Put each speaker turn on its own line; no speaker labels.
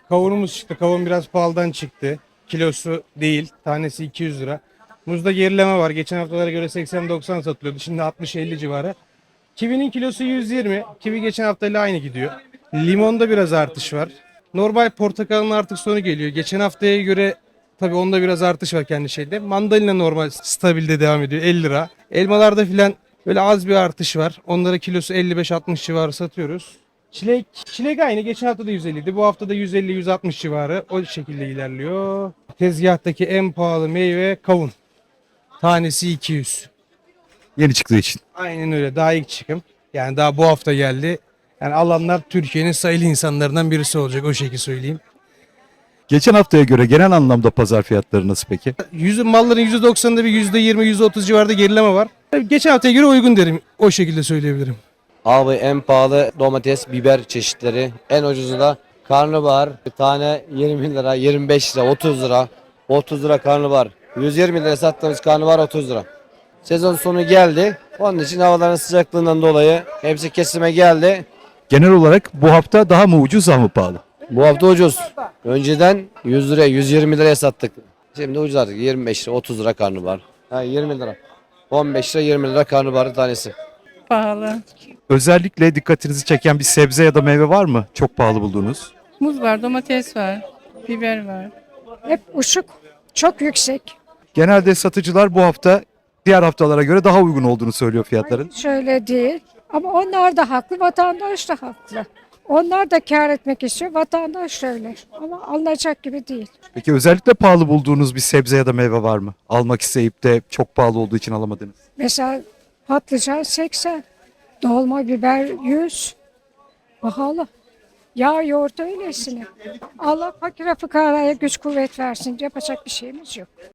Kavunumuz çıktı. Kavun biraz pahalıdan çıktı. Kilosu değil. Tanesi 200 lira. Muzda gerileme var. Geçen haftalara göre 80-90 satılıyordu. Şimdi 60-50 civarı. Kivinin kilosu 120. Kivi geçen haftayla aynı gidiyor. Limonda biraz artış var. Normal portakalın artık sonu geliyor. Geçen haftaya göre tabii onda biraz artış var kendi şeyde. Mandalina normal stabilde devam ediyor 50 lira. Elmalarda filan böyle az bir artış var. Onlara kilosu 55-60 civarı satıyoruz. Çilek aynı. Geçen hafta da 150 idi. Bu hafta da 150-160 civarı. O şekilde ilerliyor. Tezgahtaki en pahalı meyve kavun. Tanesi 200.
Yeni çıktığı için.
Aynen öyle. Daha ilk çıkım. Yani daha bu hafta geldi. Yani alanlar Türkiye'nin sayılı insanlarından birisi olacak. O şekilde söyleyeyim.
Geçen haftaya göre genel anlamda pazar fiyatları nasıl peki?
Malların %90'ında bir %20, %30 civarında gerileme var. Geçen haftaya göre uygun derim. O şekilde söyleyebilirim.
Abi en pahalı domates, biber çeşitleri. En ucuzu da karnabahar. Bir tane 20 lira, 25 lira, 30 lira. 30 lira karnabahar. 120 lira sattığımız karnabahar 30 lira. Sezon sonu geldi. Onun için havaların sıcaklığından dolayı hepsi kesime geldi.
Genel olarak bu hafta daha mı ucuz daha mı pahalı?
Bu hafta ucuz. Önceden 100 liraya, 120 liraya sattık. Şimdi ucuz artık. 25 lira, 30 lira karnabahar. 20 lira. 15 lira, 20 lira karnabahar tanesi.
Pahalı.
Özellikle dikkatinizi çeken bir sebze ya da meyve var mı? Çok pahalı bulduğunuz.
Muz var, domates var, biber var.
Hep uçuk, çok yüksek.
Genelde satıcılar bu hafta diğer haftalara göre daha uygun olduğunu söylüyor fiyatların.
Şöyle değil. Ama onlar da haklı, vatandaş da haklı. Onlar da kâr etmek istiyor, vatandaş da öyle. Ama alınacak gibi değil.
Peki özellikle pahalı bulduğunuz bir sebze ya da meyve var mı? Almak isteyip de çok pahalı olduğu için alamadınız.
Mesela patlıcan 80, dolma biber 100. Pahalı. Yağ yoğurt öylesine. Allah fakire fukaraya güç kuvvet versin. Yapacak bir şeyimiz yok.